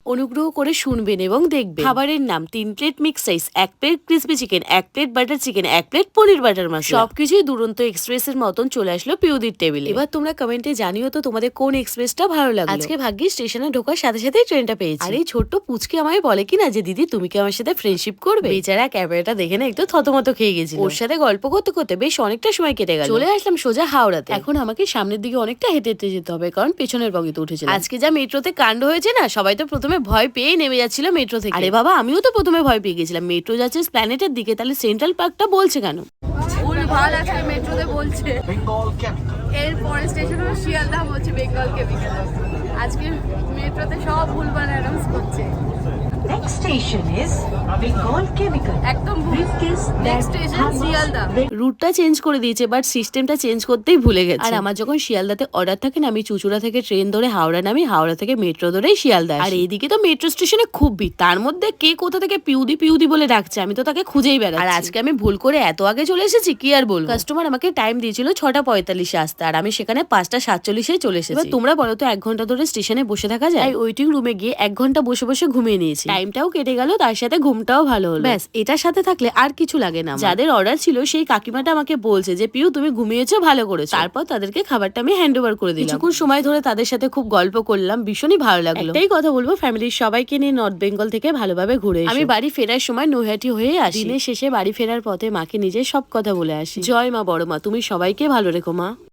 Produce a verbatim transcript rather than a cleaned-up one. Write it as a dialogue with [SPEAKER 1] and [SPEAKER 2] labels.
[SPEAKER 1] অনুগ্রহ করে শুনবেন এবং দেখবেন। খাবারের নাম তিন প্লেট মিক্স রাইস, এক প্লেট ক্রিসপি চিকেন, এক প্লেট বাটার চিকেন, এক প্লেট পনির বাটার মশলা। সবকিছুই দুরন্ত এক্সপ্রেসের মতন চলে আসলো পিউদির টেবিলে। এবার তোমরা কমেন্টে জানিও তো তোমাদের কোন এক্সপ্রেসটা ভালো লাগলো। আজকে ভাগ্যিস স্টেশনে ঢোকার সাথে সাথেই ট্রেনটা পেয়েছি। আর এই ছোট্ট পুচকে আমায় বলে কি না যে দিদি তুমি কি আমার সাথে ফ্রেন্ডশিপ করবে। বেচারা ক্যামেরাটা দেখে না একটু থতমত খেয়ে গেছিল। ওর সাথে গল্প করতে করতে বেশ অনেকটা সময় কেটে গেল। চলে আসলাম সোজা হাওড়াতে। এখন আমাকে সামনের দিকে অনেকটা হেঁটে হেঁটে যেতে হবে, কারণ পেছনের বগিতে উঠেছিল। আজকে যা মেট্রোতে কাণ্ড হয়েছে না, সবাই তো প্রথমে ভয় পেয়ে নেমে যাচ্ছিল মেট্রো থেকে। আরে বাবা, আমিও তো প্রথমে ভয় পেয়ে গেছিলাম। মেট্রো যাচ্ছে প্ল্যানেটের দিকে, তাহলে সেন্ট্রাল পার্কটা বলছে কেন?
[SPEAKER 2] ভুল ভাল আছে মেট্রোতে বলছে বেঙ্গল কেমিক্যাল, এর পরের স্টেশন হলো শিয়ালদা, বলছে বেঙ্গল কেমিক্যাল। আজকে মেট্রোতে সব ভুলভাল অ্যানাউন্স করছে।
[SPEAKER 3] Next station is Bengal Chemical.
[SPEAKER 2] একদম ভুল। Next station Sealdah.
[SPEAKER 1] রুটটা চেঞ্জ করে দিয়েছে, বাট সিস্টেমটা চেঞ্জ করতেই ভুলে গেছে। আর আমার যখন শিয়ালদাতে অর্ডার থাকে না, আমি চুচুড়া থেকে ট্রেন ধরে হাওড়া নামি, হাওড়া থেকে মেট্রো ধরেই শিয়ালদা। আর এইদিকে তো মেট্রো স্টেশনে খুব ভিড়, তার মধ্যে কে কোথা থেকে পিউদি পিউদি বলে ডাকছে, আমি তো তাকে খুঁজেই বেড়াচ্ছি। আর আজকে আমি ভুল করে এত আগে চলে এসেছি, কি আর বলবো। কাস্টমার আমাকে টাইম দিয়েছিল ছটা পঁয়তাল্লিশে আসতে, আর আমি সেখানে পাঁচটা সাতচল্লিশে চলে এসেছি। এবার তোমরা বলো তো এক ঘন্টা ধরে স্টেশনে বসে থাকা যায়? ওয়েটিং রুমে গিয়ে এক ঘন্টা বসে বসে ঘুমিয়ে নিয়েছি। টাইমটাও কেটে গেল, তার সাথে ঘুমটাও ভালো হলো। ব্যাস, এটার সাথে থাকলে আর কিছু লাগে না। যাদের অর্ডার ছিল সেই কাকিমাটা আমাকে বলছে যে পিউ তুমি ঘুমিয়েছো, ভালো করেছো। তারপর তাদেরকে খাবারটা আমি হ্যান্ড ওভার করে দিলাম। কিছুক্ষণ সময় ধরে তাদের সাথে খুব গল্প করলাম, ভীষণই ভালো লাগলো। একটাই কথা বলবো, ফ্যামিলির সবাইকে নিয়ে নর্থ বেঙ্গল থেকে ভালোভাবে ঘুরে এসো। আমি বাড়ি ফেরার সময় নৈহাটি হয়ে আসি। দিনের শেষে বাড়ি ফেরার পথে মাকে নিজের সব কথা বলে আসি। জয় মা, বড় মা, তুমি সবাইকে ভালো রেখো মা।